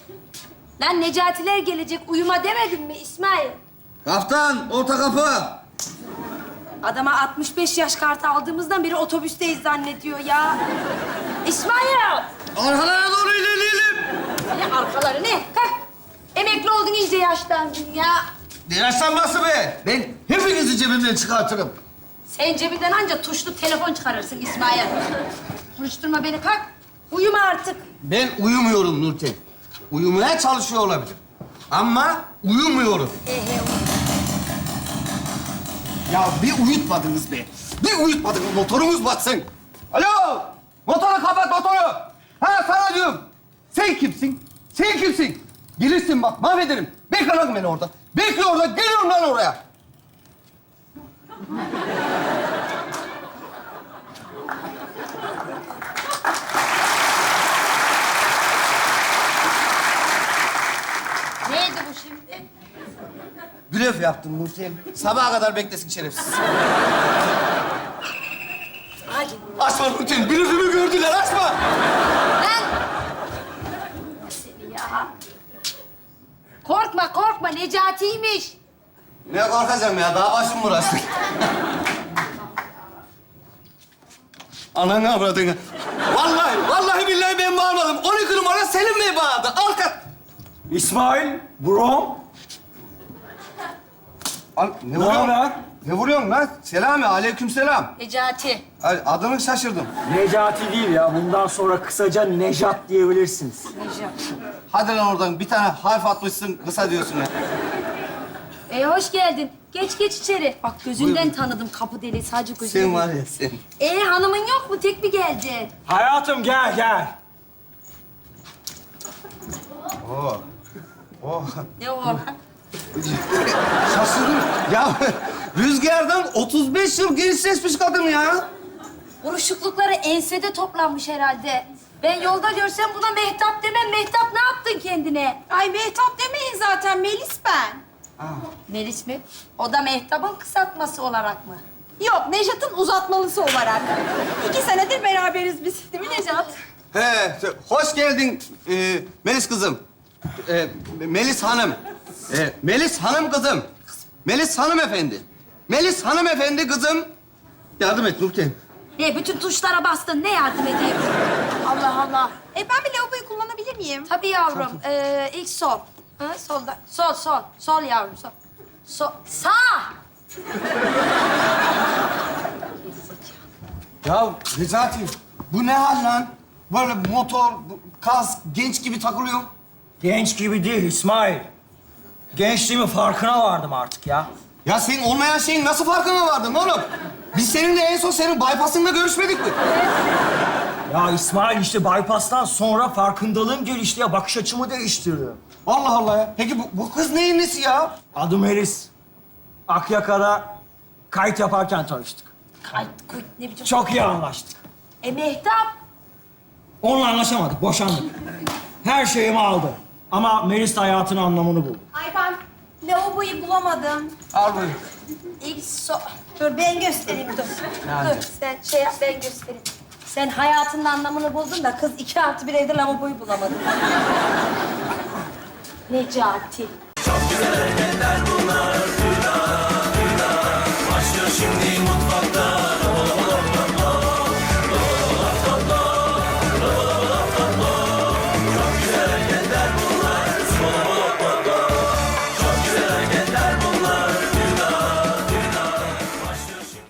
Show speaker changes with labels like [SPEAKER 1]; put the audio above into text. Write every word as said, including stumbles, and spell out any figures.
[SPEAKER 1] Lan Necatiler gelecek, uyuma demedim mi İsmail?
[SPEAKER 2] Kaptan, orta kapı.
[SPEAKER 1] Adama altmış beş yaş kartı aldığımızdan beri otobüsteyiz zannediyor ya. İsmail!
[SPEAKER 2] Arkalara doğru ilerleyelim.
[SPEAKER 1] Ne arkaları ne? Kalk. Emekli oldun, iyice yaşlandın ya.
[SPEAKER 2] Ne yaşlanması be? Ben hepinizi cebimden çıkartırım.
[SPEAKER 1] Sen cebinden anca tuşlu telefon çıkarırsın İsmail. Konuşturma beni, kalk. Uyuma artık.
[SPEAKER 2] Ben uyumuyorum Nurten. Uyumaya çalışıyor olabilir. Ama uyumuyorum.
[SPEAKER 1] Ehe,
[SPEAKER 2] Ya bir uyutmadınız be. Bir uyutmadınız. Motorumuz batsın. Alo! Motoru kapat, motoru! Ha sana diyorum. Sen kimsin? Sen kimsin? Gelirsin bak, mahvederim. Bekle lan beni orada. Bekle orada, geliyorum lan oraya.
[SPEAKER 1] neydi bu şimdi?
[SPEAKER 2] Blöf yaptım Nurten. Sabaha kadar beklesin şerefsiz.
[SPEAKER 1] Hadi.
[SPEAKER 2] Açma Nurten, blöfümü gördüler, açma!
[SPEAKER 1] Lan! Seni ya. Korkma, korkma. Necati'ymiş.
[SPEAKER 2] Ne korkacağım ya, daha başım burası. Ananı avradını. Vallahi, vallahi billahi ben bağırmadım. on iki numara Selim Bey bağırdı. Arka...
[SPEAKER 3] İsmail, bro.
[SPEAKER 2] Al, ne
[SPEAKER 3] Ne
[SPEAKER 2] vuruyorsun?
[SPEAKER 3] haber?
[SPEAKER 2] Ne vuruyorsun lan? Selami, aleykümselam.
[SPEAKER 1] Necati.
[SPEAKER 2] Ay, adını şaşırdım.
[SPEAKER 3] Necati değil ya. Bundan sonra kısaca Nejat diyebilirsiniz.
[SPEAKER 1] Necati.
[SPEAKER 2] Hadi lan oradan bir tane harf atmışsın, kısa diyorsun ya.
[SPEAKER 1] E hoş geldin. Geç geç içeri. Bak gözünden
[SPEAKER 2] Buyurun.
[SPEAKER 1] tanıdım kapı deliği. Sadece gözünden.
[SPEAKER 2] Sen var ya sen.
[SPEAKER 1] E hanımın yok mu? Tek mi geleceksin?
[SPEAKER 3] Hayatım gel, gel.
[SPEAKER 2] Oo. Oh.
[SPEAKER 1] Ne o lan?
[SPEAKER 2] Şaşırdım. Ya rüzgardan otuz beş yıl gençleşmiş kadın ya.
[SPEAKER 1] Buruşuklukları ensede toplanmış herhalde. Ben yolda görsem buna Mehtap demem. Mehtap ne yaptın kendine?
[SPEAKER 4] Ay Mehtap demeyin zaten, Melis ben.
[SPEAKER 1] Melis mi? O da Mehtap'ın kısaltması olarak mı?
[SPEAKER 4] Yok, Nejat'ın uzatmalısı olarak. İki senedir beraberiz biz, değil mi Nejat?
[SPEAKER 2] He, hoş geldin e, Melis kızım. E, Melis Hanım. E, Melis Hanım kızım. Melis hanımefendi. Melis hanımefendi kızım. Yardım et Nurten.
[SPEAKER 1] Ne bütün tuşlara bastın. Ne yardım edeyim? Allah Allah.
[SPEAKER 4] E ben bir lavaboyu kullanabilir miyim?
[SPEAKER 1] Tabii yavrum. Ee, ilk sol. Ha, solda. Sol, sol. Sol yavrum, sol. Sol. Sağ.
[SPEAKER 2] Ya Necati, bu ne hal lan? Böyle motor, bu- kask, genç gibi takılıyor.
[SPEAKER 3] Genç gibi değil İsmail. Gençliğimin farkına vardım artık ya.
[SPEAKER 2] Ya senin olmayan şeyin nasıl farkına vardın oğlum? Biz seninle en son senin bypass'ında görüşmedik mi?
[SPEAKER 3] Ya İsmail işte bypass'tan sonra farkındalığım gelişti ya. Bakış açımı değiştirdi.
[SPEAKER 2] Allah Allah ya. Peki bu, bu kız neyin nesi ya?
[SPEAKER 3] Adım Melis. Akyaka'da kayıt yaparken tanıştık.
[SPEAKER 1] Ay, koy, ne biçim...
[SPEAKER 3] Çok iyi anlaştık.
[SPEAKER 1] E Mehtap.
[SPEAKER 3] Onunla anlaşamadık, boşandık. Her şeyimi aldı. Ama Melis de hayatın anlamını buldu.
[SPEAKER 4] Ay ben lavaboyu bulamadım.
[SPEAKER 2] Al bunu.
[SPEAKER 1] İlk sol.
[SPEAKER 4] Dur ben göstereyim, dur.
[SPEAKER 1] Dur sen şey yap, ben göstereyim. Sen hayatının anlamını buldun da kız iki artı bir evde lavaboyu bulamadı. Necati.